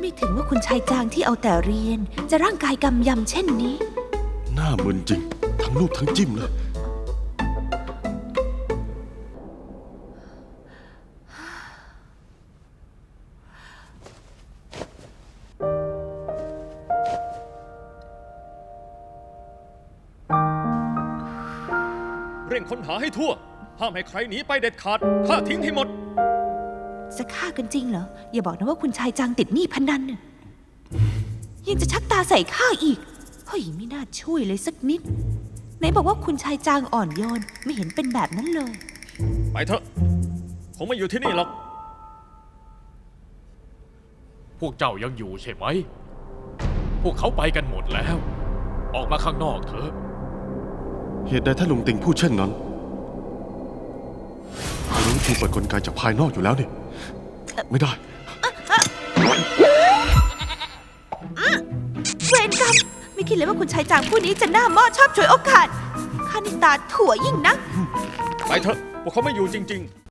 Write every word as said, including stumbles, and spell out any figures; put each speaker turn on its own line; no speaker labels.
ไม่ถึงว่าคุณชายจางที่เอาแต่เรียนจะร่างกายกำยำเช่นนี้
หน้ามึนจริงทั้งรูปทั้งจิ้มเลย
เร่งค้นหาให้ทั่วห้ามให้ใครหนีไปเด็ดขาดฆ่าทิ้งให้หมด
จะฆ่ากันจริงเหรออย่าบอกนะว่าคุณชายจางติดหนี้พนันน่ะยังจะชักตาใส่ข้าอีกเฮ้ยไม่น่าช่วยเลยสักนิดไหนบอกว่าคุณชายจางอ่อนโยนไม่เห็นเป็นแบบนั้นเลย
ไปเถอะคงไม่อยู่ที่นี่หรอก
พวกเจ้ายังอยู่ใช่ไหมพวกเขาไปกันหมดแล้วออกมาข้างนอกเถอะ
เหตุใดท่านลุงติงพูดเช่นนั้นรู้วิธีเปิดกลไกจากภายนอกอยู่แล้วนี่ไม่ได้
เวรกรรมไม่คิดเลยว่าคุณชายจางผู้นี้จะหน้าหม้อชอบฉวยโอกาสข้านี่ตาถั่วยิ่งนัก
ไปเถอะพวกเขาไม่อยู่จริงๆ